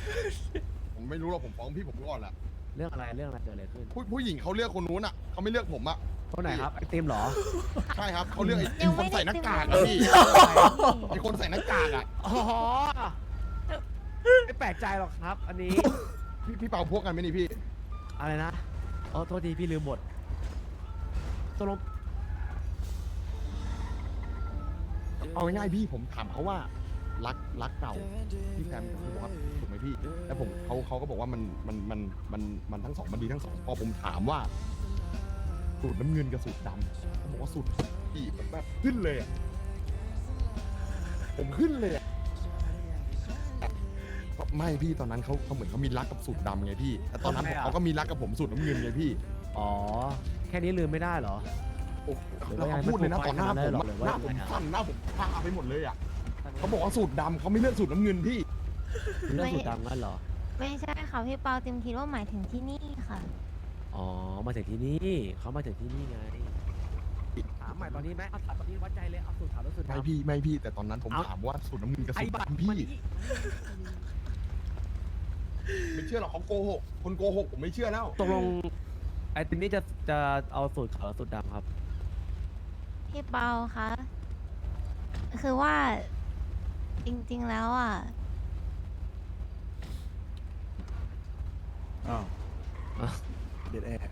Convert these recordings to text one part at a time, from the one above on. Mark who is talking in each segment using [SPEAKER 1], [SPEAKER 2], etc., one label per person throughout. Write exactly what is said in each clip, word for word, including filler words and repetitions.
[SPEAKER 1] ผมไม่รู้หรอกผมฟ้องพี่ผมก่อนแหละ
[SPEAKER 2] เรื่องอะไรเรื่องอะไรเกิดอะไรขึ้น
[SPEAKER 1] ผู้ผู้หญิงเขาเลือกคนนู้นอ่ะเขาไม่เลือกผมอ่ะ
[SPEAKER 2] คนไหนครับไอติมเหรอ
[SPEAKER 1] ใช่ครับเขาเลือกไอ้ไอ้คนใส่หน้ากากอะพี่ไอ้คนใส่หน้ากากอ่ะ
[SPEAKER 2] อ๋อไม่แปลกใจหรอกครับ อันนี้
[SPEAKER 1] พี่พี่เป่าพวกกันไหมนี่พี่
[SPEAKER 2] อะไรนะอ๋อโทษทีพี่ลืมหมดตกลง
[SPEAKER 1] เอาง่ายๆพี่ผมถามเขาว่ารักรักเก่าพี่แฟมเขาบอกว่าถูกไหมพี่แล้วผมเขาเขาก็บอกว่ามันมันมันมันมันทั้งสองมันดีทั้งสองพอผมถามว่าสูตรน้ำเงินกับสูตรดำเขาบอกว่าสูตรพี่ผมแบบขึ้นเลยอ่ะผมขึ้นเลยอ่ะไม่พี่ตอนนั้นเขาเขาเหมือนเขามีรักกับสูตรดำไงพี่แต่ตอนนั้นเขาก็มีรักกับผมสูตรน้ำเงินไงพี่
[SPEAKER 2] อ๋อแค่นี้ลืมไม่ได้เหรอ
[SPEAKER 1] โอ้แล้วเขาพูดเลยนะต่อหน้าผมอะหน้าผมสั่นหน้าผมพาไปหมดเลยอ่ะเขาบอกว่าสูตรดำเขาไม่เลือกสูตรน้ำเงินพี่
[SPEAKER 2] เรื่องสูตรดำงั้นเหรอ
[SPEAKER 3] ไม่ใช่ค่ะพี่เปาติมคิดว่าหมายถึงที่นี่ค่ะ
[SPEAKER 2] อ๋อมาถึงที่นี่เขามาถึงที่นี่ไงถามใหม่ตอนนี้ไหมเอาถามตอนนี้วัดใจเลยเอาสูตรถามแล้วสูตร
[SPEAKER 1] ไม่
[SPEAKER 2] ดำ
[SPEAKER 1] พี่ไม่พี่แต่ตอนนั้นผมถามว่าสูตรน้ำเงินกับ
[SPEAKER 2] ไอ้
[SPEAKER 1] สูตร
[SPEAKER 2] บัตร
[SPEAKER 1] ดำพี่
[SPEAKER 2] มันนี่
[SPEAKER 1] ไม่เชื่อหรอกเขาโกหกคนโกหกผมไม่เชื่อแล้ว
[SPEAKER 2] ตกลงไอ้ติมนี่จะจะเอาสูตรขาวหรือสูตรดำครับ
[SPEAKER 3] พี่เปาคะคือว่าจริงๆแล้วอ่ะ
[SPEAKER 4] อ้าว
[SPEAKER 2] อ่ะ
[SPEAKER 4] เด็ดแอร์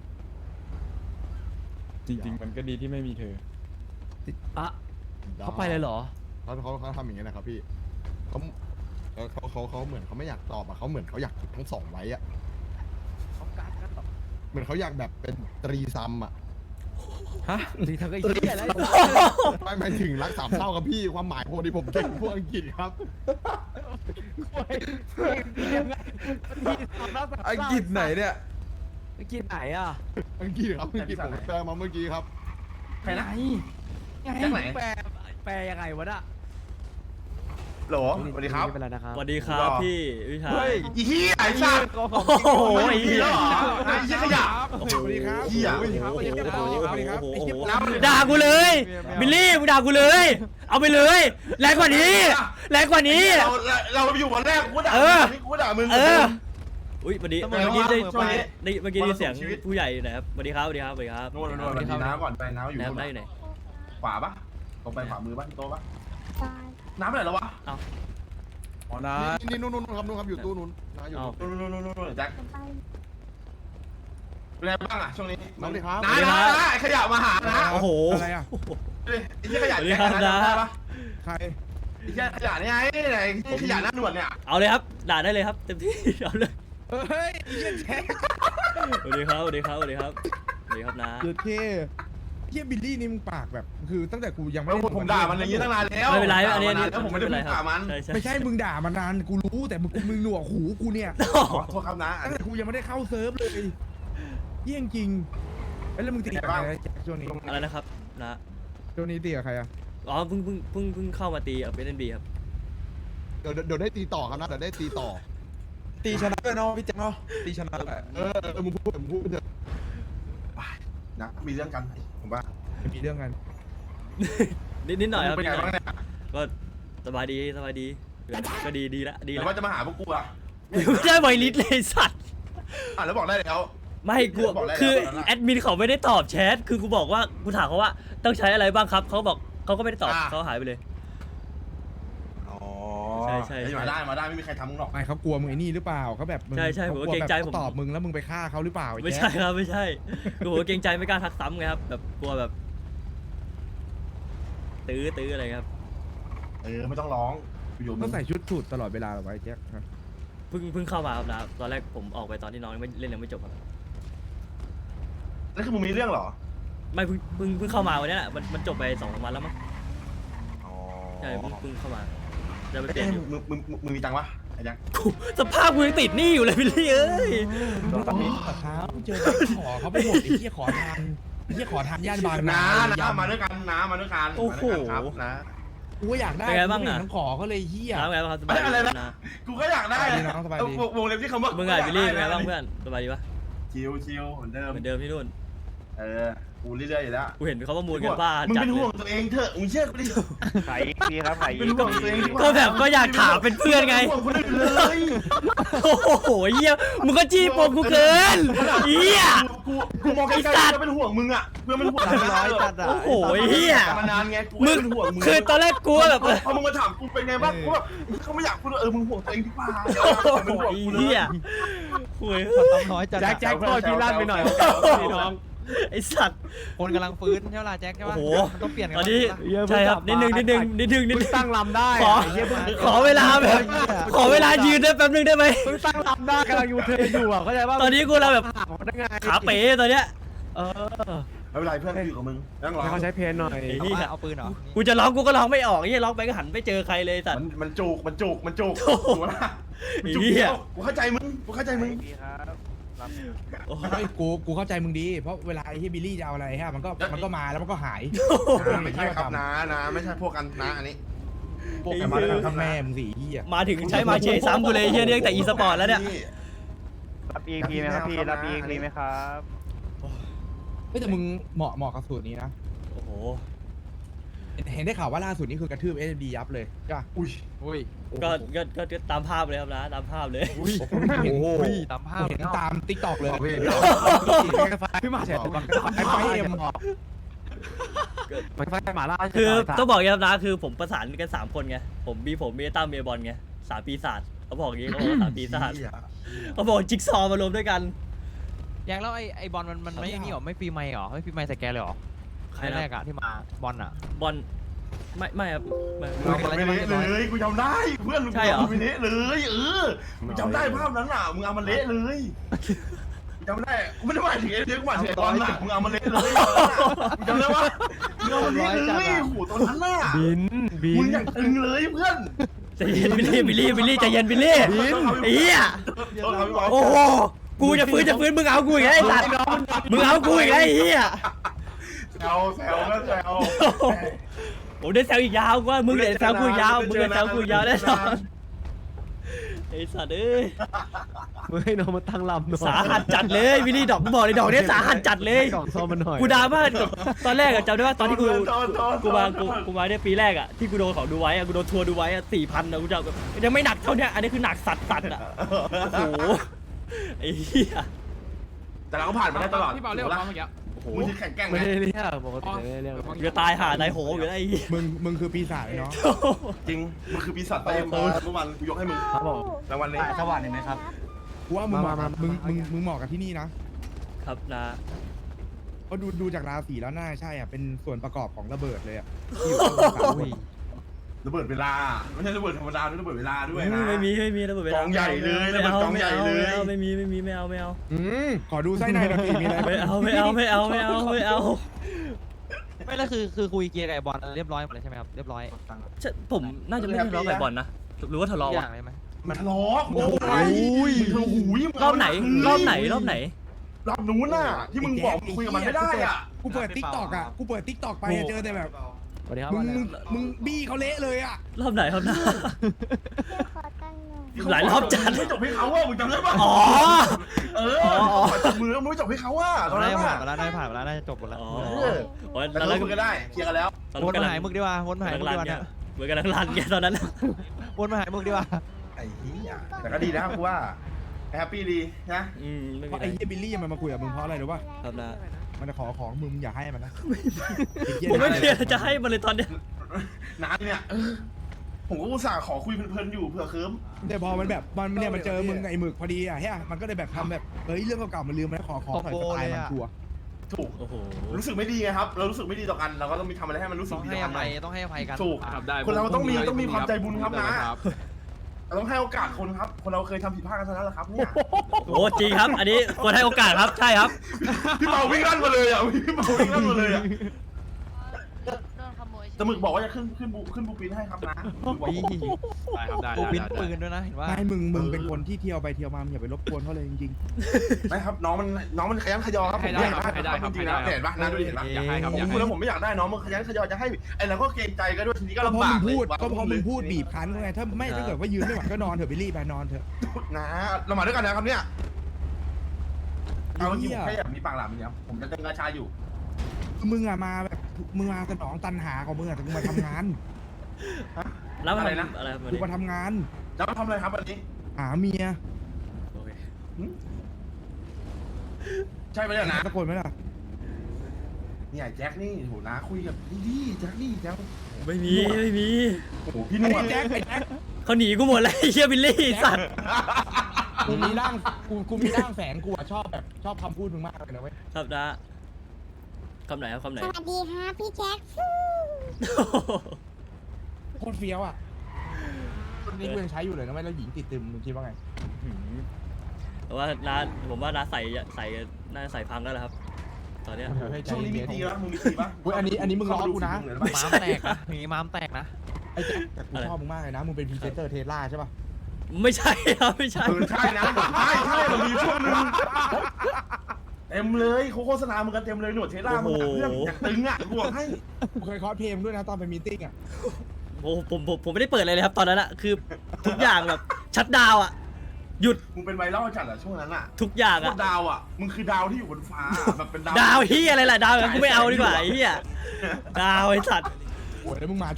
[SPEAKER 4] จริง ๆ มันก็ดีที่ไม่มีเธอ
[SPEAKER 2] อ่ะเขาไปเลยเหรอ
[SPEAKER 1] เขาเขาเขาทำอย่างนี้นะครับพี่เขาเขาเขาเขาเหมือนเขาไม่อยากตอบอะเขาเหมือนเขาอยากเก็บทั้งสองไว้อะ
[SPEAKER 2] เขาการกันตอบ
[SPEAKER 1] เหมือนเขาอยากแบบเป็นตรีซัมอะ
[SPEAKER 2] ฮะดีทางก็ไอ้เหี้ยอะไร
[SPEAKER 1] ไม่หมายถึงรักสามเศร้าครับพี่ความหมายพอดีผมเก่งพวกอังกฤษครับ
[SPEAKER 4] อังกฤษไหนเนี่ย
[SPEAKER 2] ไปกินไหนอ่ะ
[SPEAKER 1] อังกฤษครับอังกฤษผมแปลมาเมื่อกี้ครับ
[SPEAKER 5] ใครนะ
[SPEAKER 2] จากไหนแปลแปลยังไงวะน่ะ
[SPEAKER 5] โหลสวัสดีครับ
[SPEAKER 2] ไม่เป็นไรนะครับ
[SPEAKER 6] สวัสดีครับพี่วิชา
[SPEAKER 5] เฮ้ยอีเหี้ยไอ้สัตว์
[SPEAKER 2] โอ้โห
[SPEAKER 6] โอ้โห
[SPEAKER 5] ไอ้เหี้ยเหรอไอ้เหี้ยขยะ
[SPEAKER 6] โอ้โห
[SPEAKER 4] สวัสดีครับ
[SPEAKER 5] เหี้ย
[SPEAKER 4] สวัสดีครับสวัสดีครับสวัสดีครับ
[SPEAKER 6] โอ้โห
[SPEAKER 4] ไอ้เหี้ย
[SPEAKER 5] น้ำเลย
[SPEAKER 6] ด่ากูเลย บิลลี่มึงด่ากูเลย เอาไปเลย แรงกว่านี้ แรงกว่านี้
[SPEAKER 5] เราเราไปอยู่วันแรกกูด่า
[SPEAKER 6] เออ
[SPEAKER 5] มึงกูด่ามึง
[SPEAKER 6] เออ อุ้ยวันนี้
[SPEAKER 5] เสม
[SPEAKER 6] เมื่
[SPEAKER 5] อ
[SPEAKER 6] อกี้ได้
[SPEAKER 5] เสมอ
[SPEAKER 6] ได้เมื่อกี้ได้เสียง
[SPEAKER 5] ชีวิต
[SPEAKER 6] ผู้ใหญ่อยู่ไหนครับสวัสดีครับสวัสดีครับสวัสดีครับ
[SPEAKER 5] โน่นโน่นสวัสดีน้ำก่อนไปน้ำอยู่
[SPEAKER 6] นะครับ
[SPEAKER 5] นู่น
[SPEAKER 6] ได้อยู่ไหน
[SPEAKER 5] ขวาปะตรงไปขวามือปะที่โต๊ะปะน้ำไปไหนแล้ววะ
[SPEAKER 4] อ๋อนะ
[SPEAKER 1] นี่นี่นู่นนู่นครับนู่นครับอยู่ตู้นู้นนะอยู่
[SPEAKER 6] เอา
[SPEAKER 5] นู่นนู่นนู่นนู่นแจ็คเป็นไงบ้างอะช่วงนี้
[SPEAKER 1] สวัสดีครับ
[SPEAKER 5] น้าน้าน้าไอ้ขยะมาหานะ
[SPEAKER 6] โอ้โห
[SPEAKER 4] อะไรอ่ะ
[SPEAKER 5] ไอ้เหี้ยขยะ
[SPEAKER 6] สวัสดี
[SPEAKER 5] แจ็ค
[SPEAKER 6] ครับ
[SPEAKER 5] นะ
[SPEAKER 6] น้า
[SPEAKER 5] จำได้ปะ
[SPEAKER 4] ใคร
[SPEAKER 5] ไอ้เหี้ยขยะนี่ไงไอ้ขยะหน้าหนวดเนี่ย
[SPEAKER 6] เอาเลยครับ ด่าได้เลยครับเต็มที่ เอาเลย
[SPEAKER 4] เฮ้ยไอ้เหี้ยแจ็ค
[SPEAKER 6] สวัสดีครับสวัสดีครับสวัสดีครับสวัสดีครับนะ
[SPEAKER 4] เดือดเท่เหี้ยบิลลี่นี่มึงปากแบบ คือตั้งแต่กูยังไม่
[SPEAKER 5] แล้ว
[SPEAKER 4] ได้
[SPEAKER 5] ผมด่ามันอย่างนี้ตั้งนานแล้ว
[SPEAKER 6] ไม่เป็นไรอันนี้อันนี้
[SPEAKER 5] แล้วผมไม่ได้พูดด่ามัน
[SPEAKER 6] ใช่ใช่
[SPEAKER 4] ไม่ใช่มึงด่ามานานกูรู้แต่มึงกูมึงหนวกหูกูเนี่ย
[SPEAKER 5] ขอโทษครับนะ
[SPEAKER 4] ตั้งแต่กูยังไม่ได้เข้าเซิร์ฟเลยเยี่ยงจริงเอ้ยแล้วมึงตีกับใครแจ็คช่วงนี้
[SPEAKER 6] อะไรนะครับนะ
[SPEAKER 4] ช่วงนี้ตีกับใครอ่ะ
[SPEAKER 6] อ๋อเพิ่งเพิ่งเพิ่งเพิ่งเข้ามาตีเอาเป็นเอ็นบีครับ
[SPEAKER 1] เดี๋ยวเดี๋ยวได้ตีต่อครับนะเดี๋ยวได้ตีต่อ
[SPEAKER 4] ตีชนะเลยเนาะพี่แจ็คเนาะตีชนะแหละ
[SPEAKER 1] เออเออมึงพูดมึงพูดไปเถอะ
[SPEAKER 5] นะมีเรื่องกันผมว่า
[SPEAKER 4] มีเรื่องกัน
[SPEAKER 6] นิดนิดหน่อยครับ
[SPEAKER 5] เป็น
[SPEAKER 6] นิ
[SPEAKER 5] ไง
[SPEAKER 6] ดหน่
[SPEAKER 5] บ้า
[SPEAKER 6] อง ย
[SPEAKER 5] เนี่ย
[SPEAKER 6] ก็สบายดีสบายดีก็ดีดีละดี
[SPEAKER 5] หรือ
[SPEAKER 6] ละ
[SPEAKER 5] ว่าจะมาหาพวกกูอ่ะ
[SPEAKER 6] ไม่ใช่ไวลิสเลยสัตว์
[SPEAKER 5] อ่ะแล้วบอกได้แล้ว
[SPEAKER 6] ไม่กู
[SPEAKER 5] บอกแล้ว
[SPEAKER 6] คือ
[SPEAKER 5] ตอนนั้นอะ
[SPEAKER 6] แอดมินเขาไม่ได้ตอบแชทคือกูบอกว่ากูถามเขาว่าต้องใช้อะไรบ้างครับเขาบอกเขาก็ไม่ได้ตอบ
[SPEAKER 5] อ่ะ
[SPEAKER 6] เขาหายไปเลย
[SPEAKER 5] อ๋อ
[SPEAKER 6] ใช่ใช่ใช่
[SPEAKER 5] มาได้มาได้ไม่มีใครทำมึงหรอก
[SPEAKER 4] ไม่เขากลัวมึงไอ้นี่หรือเปล่าเขาแบบมึง
[SPEAKER 6] ใช่ใช่
[SPEAKER 4] ขา
[SPEAKER 6] ผมก็
[SPEAKER 4] ลัว
[SPEAKER 6] เกรงใจ
[SPEAKER 4] แบบ
[SPEAKER 6] ผม
[SPEAKER 4] ขาตอบมึงแล้วมึงไปฆ่าเขาหรือเปล่า
[SPEAKER 6] ไม่ใช่ครับไม่ใช่กูเกรงใจไม่กล้าทักซ้ำไงครับแบบกลัวแบบตื้อตื้ออะไรครับ
[SPEAKER 5] เออไม่ต้องร้องอยู่ๆมึ
[SPEAKER 4] ต้อง งใส่ชุดสูทตลอดเวลาเหรอวะไอ้แจ็คครับ
[SPEAKER 6] เพิ่งเพิ่งเข้ามาครับนะตอนแรกผมออกไปตอนที่น้องยังไม่เล่นยังไม่จบครับ
[SPEAKER 5] แล้วคือมึงมีเรื่องเหรอ
[SPEAKER 6] ไม่เพิ่งเพิ่งเพิ่งเข้ามาวันนี้แหละมันมันจบไปสองสามวันแล้วมั้ง
[SPEAKER 5] อ๋อ
[SPEAKER 6] ใช่เพิ่งเพิ่งเข้ามาจะไปเปลี่
[SPEAKER 5] เอ๊ะ
[SPEAKER 6] ยนอยู่
[SPEAKER 5] มึงมึงมึงมึงมีตังค์ปะไอ้ยัง
[SPEAKER 6] กูสภาพกูยังติดหนี้อยู่เลยพี่ลี่เอ้ย
[SPEAKER 4] ตอนนี้ขอเท้าเจอไปขอเขาไปหมดไอ้เหี้ยขอทานไอ้เหี้ยขอทานย่านบางนา
[SPEAKER 5] น้า
[SPEAKER 4] เลย
[SPEAKER 5] น้าย
[SPEAKER 4] ำ
[SPEAKER 5] มาด้วยกันน้ามาด้วยกัน
[SPEAKER 6] โอ้โห
[SPEAKER 5] มาด้วยกันครับนะ
[SPEAKER 4] กูก็อยากได้
[SPEAKER 6] เป็นไงบ้าง
[SPEAKER 4] กูม่
[SPEAKER 6] อะ
[SPEAKER 4] เห็นทั้งขอเขาเลยเหี้ย
[SPEAKER 6] น้ำไงบ้างครับสบาย
[SPEAKER 5] อะไร
[SPEAKER 6] ดี
[SPEAKER 5] นะ
[SPEAKER 6] นะ
[SPEAKER 5] กูก็อยากได้
[SPEAKER 4] สบายดีน้องสบายดี
[SPEAKER 5] เออวงเล็บที่เขาบอก
[SPEAKER 6] มึงไงพี่ลี่เป็นไงบ้างเพื่อนสบายดีปะ
[SPEAKER 5] ชิวชิวเหมือนเดิม
[SPEAKER 6] เหมือนเดิมที่นู่น
[SPEAKER 5] เออกูเรื่อยๆอยู่แล้ว
[SPEAKER 6] กูเห็นเขาประมูลกันบ้า
[SPEAKER 5] มึง
[SPEAKER 6] จัด
[SPEAKER 5] เป็น
[SPEAKER 6] เล
[SPEAKER 5] ห่วย งตัวเองเถอะมึงเชื่อกูดิ
[SPEAKER 7] ขายอีกทีครับขายอี
[SPEAKER 5] เป็น
[SPEAKER 7] ก
[SPEAKER 5] ห่วงตัวเองดีว่า
[SPEAKER 6] ก็แบบก็อยากถามเป็นเพื่อนไง
[SPEAKER 5] ห่วงคนอื่นเลย
[SPEAKER 6] โอ้โหเหี้ยมึงก็จี้ปมกูเกินเหี้ย
[SPEAKER 5] กูกูมองไกลๆก็เป็นห่วงมึงอ่ะเพื่อนเป็นห่วงมึง
[SPEAKER 7] ร้อยจัดอ่ะ
[SPEAKER 6] โอ้โหเหี้ย
[SPEAKER 5] มานานไงกู
[SPEAKER 6] มึง
[SPEAKER 5] เป็นห่วงมึง
[SPEAKER 6] คือตอนแรกกูแบบ
[SPEAKER 5] พอมึงมาถามกูเป็นไงบ้างกูแบบเขาไม่อยากพูดเออมึงห่วงตัวเองดีกว่า
[SPEAKER 6] โอ้โหเหี้ยโอ้ย
[SPEAKER 7] น้อยจัด
[SPEAKER 4] แจ็คแจ็คโทษพี่ลั่นไปหน่อยพี่น้อง
[SPEAKER 6] ไอสัตว์
[SPEAKER 7] คนกำลังฟื้นใช่ไหมล่ะแจ็คใช่
[SPEAKER 6] โอ้
[SPEAKER 7] ปะ
[SPEAKER 6] โห
[SPEAKER 7] มันต้องเปลี่ยนกั
[SPEAKER 6] ตอนนี้ใช่ครับนิดนึงนิดนึงนิดนึงนิดนึง
[SPEAKER 4] ตั้งลำได้
[SPEAKER 6] ขอขอเวลาแบบขอเวลายืนได้แป๊บนึงได้ไหม
[SPEAKER 4] มึงตั้งลำได้กำลังยูเทิร์นอยู่อ่ะเข้าใจป่ะ
[SPEAKER 6] ตอนนี้กูเราแบบ
[SPEAKER 4] ได้ไง
[SPEAKER 6] ขาเป๋ตอนเนี้ย
[SPEAKER 4] เออ
[SPEAKER 5] ไม่เป็นไรเพื่อนกูอยู่กับมึงนั่งรอ
[SPEAKER 4] ให้เขาใช้เพนหน่อย
[SPEAKER 6] ไอ้
[SPEAKER 7] เอา
[SPEAKER 6] เหี้ย
[SPEAKER 7] เอาปืนเหรอ
[SPEAKER 6] กูจะร้องกูก็ร้องไม่ออกไอ้เหี้ยร้องไปก็หันไม่เจอใครเลยสัต
[SPEAKER 5] มั
[SPEAKER 6] ว์
[SPEAKER 5] นมันจุกมันจุกมันจุก
[SPEAKER 6] โอ้โห
[SPEAKER 5] ถูกปะมันจุก
[SPEAKER 6] ไอ้เหี้ย
[SPEAKER 5] กูเข้าใจมึงกูเข้าใจมึง
[SPEAKER 7] ดีครับรับ
[SPEAKER 6] โอ้โห
[SPEAKER 4] เฮ้ยกูกูเข้าใจมึงดีเพราะเวลาไอ้ที่บิลลี่จะเอาอะไรฮะมันก็มันก็มาแล้วมันก็หาย
[SPEAKER 5] ไม่ใช่ครับนะนะไม่ใช่พวกกันนะอันนี้พวก
[SPEAKER 6] ไอ้
[SPEAKER 5] กัน
[SPEAKER 6] เหี้
[SPEAKER 5] มาย แล้วครับ
[SPEAKER 4] แม่
[SPEAKER 5] แม่
[SPEAKER 4] มึงสิไอ้เหี้ย
[SPEAKER 6] มาถึงใช้มาเชซ้ำกูเลยเฮียเนี่ยตั้งแต่อีสปอร์ตแล้วเนี่ย
[SPEAKER 7] รับอีพีไหมครับพี่รับอีพีไหมครับ
[SPEAKER 4] เฮ้ยแต่มึงเหมาะเหมาะกับสูตรนี้นะ
[SPEAKER 6] โอ้โห
[SPEAKER 4] เห็นได้ข่าวว่าล่าสุดนี้คือกระทืบเอสดียับเลยใช่ป่ะ
[SPEAKER 5] อุ้ย
[SPEAKER 7] อุ้ย
[SPEAKER 6] ก็ก็ก็ก็ตามภาพเลยครับนะตามภาพเลย
[SPEAKER 7] อุ้ย
[SPEAKER 4] เห็น
[SPEAKER 7] ตามภาพ
[SPEAKER 4] เห็นตามติ๊กตอกเลย
[SPEAKER 5] พี่
[SPEAKER 4] พี่มาแฉตัวไอ้ไฟเอ็ม
[SPEAKER 7] ไฟไฟหมาล่า
[SPEAKER 6] คือต้องบอกอย่างนี้ครับนะคือผมประสานกันสามคนไงผมมีผมมีไอ้ตั้มมีไอ้บอลไงสามปีศาจเขาบอกอย่างนี้เขาบอกว่าสามปีศาจเขาบอกจิ๊กซอว์มารวมด้วยกัน
[SPEAKER 7] แจ็คแล้วไอ้ไอ้บอลมันมันไม่นี่หรอไม่ฟรีไมค์หรอไม่ฟรีไมค์ใส่แกเลยหรอ
[SPEAKER 6] ใคร
[SPEAKER 7] ใคร
[SPEAKER 6] นะ
[SPEAKER 7] แรกอะที่มาบอลอะ
[SPEAKER 6] บอลไม่ไม่ครับไม่
[SPEAKER 5] มึงเอามาเละเลยกูจำได้เพื่อนมึง
[SPEAKER 6] ใช่เหรอ
[SPEAKER 5] เอามาเละเลยเออมึงจำได้ภาพนั้นน่ะมึงเอามาเละเลยกูจำได้กูไม่ได้หมายถึงไอ้เด็กกูหมายถึงไอ้ตอนน่ะมึงเอามาเละเลยมึงจำได้ปะมึงเอามาเละเลยโอ้โหตอนนั้นน่ะ
[SPEAKER 4] บินบิ
[SPEAKER 5] มึ
[SPEAKER 4] น
[SPEAKER 5] งอยากตึงเลยเพื่อน
[SPEAKER 6] ใจเย็นบิลลี่บิลลี่บิลลี่ใจเย็นบิลลี่ไอ้เหี้ยโอ้โหกูจะฟื้นจะฟื้นมึงเอากูอีกแล้วไอ้สัตว์มึงเอากูอีกแล้วไอ้เหี้ย
[SPEAKER 5] แซวแซวแล้วแซว
[SPEAKER 6] ผมได้แซวอีกยาวกว่ามึงเดี๋ยวแซวกูอีกยาวมึงเดี๋ยวแซวกูอีกยาวแน่นอนไอ้สัตว์เอ้ย
[SPEAKER 2] มึงให้น้องมาตั้งลำหน่อย
[SPEAKER 6] สาหัสจัดเลยวิลลี่ดอกบอกเลยดอกเนี้ยสาหัสจัดเลย
[SPEAKER 2] กล่องซ่อมมันหน่อย
[SPEAKER 6] กูดราม่าตอนแรกอะจำได้ว่าตอนที่กูกูมากูกูมาเนี่ยปีแรกอะที่กูโดนเขาดูไว้อะกูโดนทัวร์ดูไว้อะสี่พันอะกูจะแบบยังไม่หนักเท่าเนี้ยอันนี้คือหนักสัตว์สัตว์อะโอ้โหไอ้เหี้ย
[SPEAKER 5] แต่เราก็ผ่านมาได้ตลอด
[SPEAKER 8] พี่เบาเรียกว่าเมื่อกี้
[SPEAKER 6] โอ้โห
[SPEAKER 5] มึงที่แข่งแกร่ง
[SPEAKER 2] ไม่
[SPEAKER 5] ไง
[SPEAKER 2] ได้เรียกปกติไม่ได้เรียก
[SPEAKER 6] กูจะตายห่าตายโหงอยู่แล้วไอ้เหี้ย
[SPEAKER 4] มึงมึงคือปีศาจเนาะ
[SPEAKER 5] จริงมึงคือปีศาจไปเมื่อวันกูยกให้มึง
[SPEAKER 2] ครับผม
[SPEAKER 5] รางวัลนี้
[SPEAKER 7] สว่างเห็นไหมครับ
[SPEAKER 4] กูว่ามึงเหมาะกับมึงมึงมึงเหมาะกับที่นี่นะครับ
[SPEAKER 6] นะ
[SPEAKER 4] เพราะดูดูจากราศีแล้วน่าใช่อ่ะเป็นส่วนประกอบของระเบิดเลยอ่ะที่อยู่ตรงกลาง
[SPEAKER 5] ระเบิดเวลาไม่ใช่ระเบิดธรรมดาด้วยระเบิดเวลาด้วยนะ
[SPEAKER 6] ไม่มีไม่มีระเบิดเวลาก
[SPEAKER 5] องใหญ่เลย
[SPEAKER 6] ไม่เอา
[SPEAKER 5] ระเบิดกอง
[SPEAKER 6] ไม่
[SPEAKER 5] ใหญ่
[SPEAKER 6] เอา
[SPEAKER 5] เลย
[SPEAKER 6] ไม่เอาไม่มีไม่มีไม่เอาไม่เอา
[SPEAKER 4] อืมขอดูไส้ในหน่อยสิมีอะไร
[SPEAKER 6] ไม่เอาไม่เอาไม่เอาไม่เอาไม่เอา
[SPEAKER 7] ไม่แล้วคือคือคุยเกียร์กับไอ้บอลเรียบร้อยหมดเลยใช่ไหมครับเรียบร้อย
[SPEAKER 6] ผมน่าจะไม่ได้ทะเลาะกับบอลนะหรือว่าทะเลาะ
[SPEAKER 7] อย่าว
[SPEAKER 6] ะ
[SPEAKER 7] งใช่ไหม
[SPEAKER 5] มันทะเลาะโอ้ยมึงทะหุย
[SPEAKER 6] รอบไหนรอบไหนรอบไหน
[SPEAKER 5] รอบนู้นน่ะที่มึงบอกคุยกับมันไม่ได้อ่ะ
[SPEAKER 4] กูเปิดติ๊กตอกอ่ะกูเปิดติ๊กตอกไปเจอแต่แบบ
[SPEAKER 2] สวัสดีครับ
[SPEAKER 4] มึงมึงมึงบี้เขาเละเลยอ่ะ
[SPEAKER 6] รอบไหนครับนะ
[SPEAKER 3] ขอตั้งหน่อย
[SPEAKER 6] หลายรอบจัด
[SPEAKER 5] ไม่จบให้เขาอ่ะมึงจำได้ปะ
[SPEAKER 6] อ๋อ
[SPEAKER 5] เออจับมือมึงไม่จบให้เขาอ่ะตอน
[SPEAKER 7] ได้
[SPEAKER 5] นั้น
[SPEAKER 7] ผ่า
[SPEAKER 5] อ่ะ
[SPEAKER 7] นมาแล้วได้ผ่านมาแล้วน่าจะจบหมดแล้ว
[SPEAKER 6] อ๋อ
[SPEAKER 5] เออ
[SPEAKER 6] โอ้ย
[SPEAKER 5] แต่
[SPEAKER 6] ตอน
[SPEAKER 5] เรา
[SPEAKER 6] นั้น
[SPEAKER 5] คุยกันได้เคลียร์กันแล้ว
[SPEAKER 6] ตอน
[SPEAKER 7] วน
[SPEAKER 6] นั้น
[SPEAKER 7] มาหายมึกดีกว่าวนมาหาย
[SPEAKER 6] กำ
[SPEAKER 7] มึ
[SPEAKER 6] ลั
[SPEAKER 7] ก
[SPEAKER 6] ง
[SPEAKER 7] ดี
[SPEAKER 6] รั
[SPEAKER 7] ก
[SPEAKER 6] น
[SPEAKER 7] ว่า
[SPEAKER 6] ไง
[SPEAKER 7] เนี่ย
[SPEAKER 6] เหมือนกำลังรันไงตอนนั้น
[SPEAKER 7] วนมาหายมึกดีกว่า
[SPEAKER 5] ไอ้เหี้ยแต่ก็ดีนะกูว่าแฮปปี้ดีนะ
[SPEAKER 6] อืมไม่
[SPEAKER 4] เพ
[SPEAKER 6] มี
[SPEAKER 4] ราะ
[SPEAKER 6] อะไร
[SPEAKER 4] ไอ้เฮียบิลลี่มันมาคุยกับมึงเพราะอะไรรู้ป่ะ
[SPEAKER 6] ครับนะ
[SPEAKER 4] มันจะขอของมึงมึงอย่าให้มันนะ
[SPEAKER 6] ผมไม่มีอะไรจะให้มันเลยตอนเนี้ย
[SPEAKER 5] น้าเนี่ยผมก็อุตส่าห์ขอคุยเพลินๆอยู่เผื่อเคิร์ม
[SPEAKER 4] แต่พอมันแบบมันเนี่ยมันเจอมึงไอ้หมึกพอดีอ่ะเฮ้ยมันก็เลยแบบทำแบบเฮ้ยเรื่องเก่าๆมันลืมแล้วขอขอถอยสไตล์มันชัว
[SPEAKER 5] ถูก
[SPEAKER 6] โอ้โห
[SPEAKER 5] รู้สึกไม่ดีไงครับ เรารู้สึกไม่ดีต่อกันเราก็ต้องมีทำอะไรให้มันรู้สึ
[SPEAKER 7] ต้
[SPEAKER 5] ก
[SPEAKER 7] อง
[SPEAKER 5] ดี
[SPEAKER 7] ให้
[SPEAKER 5] ต่
[SPEAKER 7] อ
[SPEAKER 5] อกัน
[SPEAKER 7] ภัยต้องให้อภัยกัน
[SPEAKER 5] ถูก
[SPEAKER 8] ครับได้
[SPEAKER 5] คนเราต้องมีต้องมีความใจบุญครับนะ
[SPEAKER 8] ครับ
[SPEAKER 5] เราต้องให้โอกาสคนครับ คนเราเคยทำผิดพลาดกันเท่านั้นแหละครับเนี่ย
[SPEAKER 6] โอ้จริงครับ อันนี้ควรให้โอกาสครับใช่ครับ
[SPEAKER 5] พี่เปาวิ่งลั่นมาเลยอ่ะพี่เปาวิ่งลั่นมาเลยอ่ะ
[SPEAKER 3] โดนขโมย
[SPEAKER 5] แต่หมึกบอกว่าจะขึ้นขึ้นบูขึ้นบูปินให้ครับนะหมึกบอก
[SPEAKER 8] ได้ครับได้
[SPEAKER 7] กู
[SPEAKER 8] ได้
[SPEAKER 7] ปิ้น
[SPEAKER 8] ได้
[SPEAKER 7] ปืนด้วยนะเห็นว่า
[SPEAKER 4] ไม่มึงมึงเป็นคนที่เที่ยวไปเที่ยวมาอย่าไปรบกวนเขาเลยจริง
[SPEAKER 5] ไม่ครับน้องมันน้องมันขยันขยอครับผมอยากได้ครับจริงๆนะเห็นปะนะดูดิเห็นปะ
[SPEAKER 8] อยากให้ครับ
[SPEAKER 5] ผ
[SPEAKER 8] อยาม ก
[SPEAKER 5] พู
[SPEAKER 8] ให้
[SPEAKER 5] ดแล้วผมไม่อยากได้น้องมันขยันขยอจะให้ไอ้เราก็เกรงใจก็ด้วยทีนี้
[SPEAKER 4] ๆ
[SPEAKER 5] ก็
[SPEAKER 4] ก็เพ
[SPEAKER 5] ลำ
[SPEAKER 4] ราะ
[SPEAKER 5] บา
[SPEAKER 4] มึ
[SPEAKER 5] ก
[SPEAKER 4] ง
[SPEAKER 5] เลย
[SPEAKER 4] พูดก็เพราะมึงพูดบีบคั้นเขาไงถ้าไม่ถ้าเกิดว่ายืนไม่ไหวก็นอนเถอะบิลลี่ไปนอนเถอะ
[SPEAKER 5] นะเรามาด้วยกันนะครับเนี่ยเอาจริง
[SPEAKER 4] เหี้ย
[SPEAKER 5] แค่อยากมีปากหลามอย่างเดียวผมจะเดินกระชายอยู่
[SPEAKER 4] มึงอะมาแบบมึงมาสนองตันหาของมึงอะแต่กูมาทำงาน
[SPEAKER 6] แล้วมัน
[SPEAKER 5] อะไรนะ
[SPEAKER 6] ทำอะไรมา
[SPEAKER 4] กู
[SPEAKER 6] เนี่ย
[SPEAKER 4] มาทำงาน
[SPEAKER 5] แล้วทำอะไรครับอันนี้
[SPEAKER 4] หาเมีย
[SPEAKER 6] โอเค
[SPEAKER 5] ใช่ไหมเนี่ยนะ
[SPEAKER 4] ตะโกนไหมล่ะ
[SPEAKER 5] เนี่ยแจ็คนี่โหนะคุยกับนี่ดิแจ็คนี่แจ็ค
[SPEAKER 6] ไม่มีไม่มี
[SPEAKER 5] โอ้โหพี่หน
[SPEAKER 4] ไอ้
[SPEAKER 5] วด
[SPEAKER 4] แจ็คไอ้แจ็ค
[SPEAKER 6] เขาหนีกูหมดแล้วไอ้เชี่ยบิลลี่สัตว์
[SPEAKER 4] กูมีร่างกูกูมีร่างแฝงกูอะชอบแบบชอบคำพูดมึงมากเลยนะเว้ย
[SPEAKER 6] ครับนะคำไหนครับคำไหน
[SPEAKER 8] สวัสดีครับพี่แจ็ค
[SPEAKER 4] โคตรเฟี้ยวอ่ะคนนี้กูยังใช้อยู่เลยนะเว้ยแล้วหญิงติดตึมมึงคิดว่าไง
[SPEAKER 6] แต่ว่าน้าผมว่าน้าใส่ใส่น่าจะใส่พังแล้วแหละครับ ตอนเนี้ย
[SPEAKER 4] เดี๋ยวให้ใจ
[SPEAKER 5] ช่วงนี้มี
[SPEAKER 4] เย็น
[SPEAKER 5] ตีปะมึงมีตีปะ
[SPEAKER 4] เว้ยอันนี้อันนี้มึงล้อกูนะ
[SPEAKER 7] ม้ามแตกนะอย่างงี้ม้ามแตกนะ
[SPEAKER 4] ไอ้แจ็คแต่กูชอบมึงมากเลยนะมึงเป็นพรีเซนเตอร์เทสลาใช่ป่ะ
[SPEAKER 6] ไม่ใช่ครับไม่ใช่
[SPEAKER 5] เออใช่นะใช่ใช่มันมีช่วงนึงเต็มเลยเขาโฆษณามึงกันเต็มเลยหนวดเทล่ามึงอะเพื่อนอยากตึงอ่ะกูบอกให้
[SPEAKER 4] กูเคยคอสเพลงด้วยนะตอนไปมีตติ้งอ่ะ
[SPEAKER 6] โอ้ผมผมผมไม่ได้เปิดอะไรเลยครับตอนนั้นอะคือทุกอย่างแบบชัดดาวน์อะหยุด
[SPEAKER 5] มึงเป็นไวรัลจัดอะช่วงนั้นอะ
[SPEAKER 6] ทุกอย่าง
[SPEAKER 5] โค
[SPEAKER 6] อะ
[SPEAKER 5] ตรดาวอะมึงคือดาวที่อยู่บนฟ้าแบบเป็นดาว
[SPEAKER 6] ดาวเฮียอะไรล่ะดาวอย่างนั้นกูไม่เอาดีกว่าไอ้เฮียดาวไอ้สัตว์
[SPEAKER 4] โอ้ยแล้วมึงมา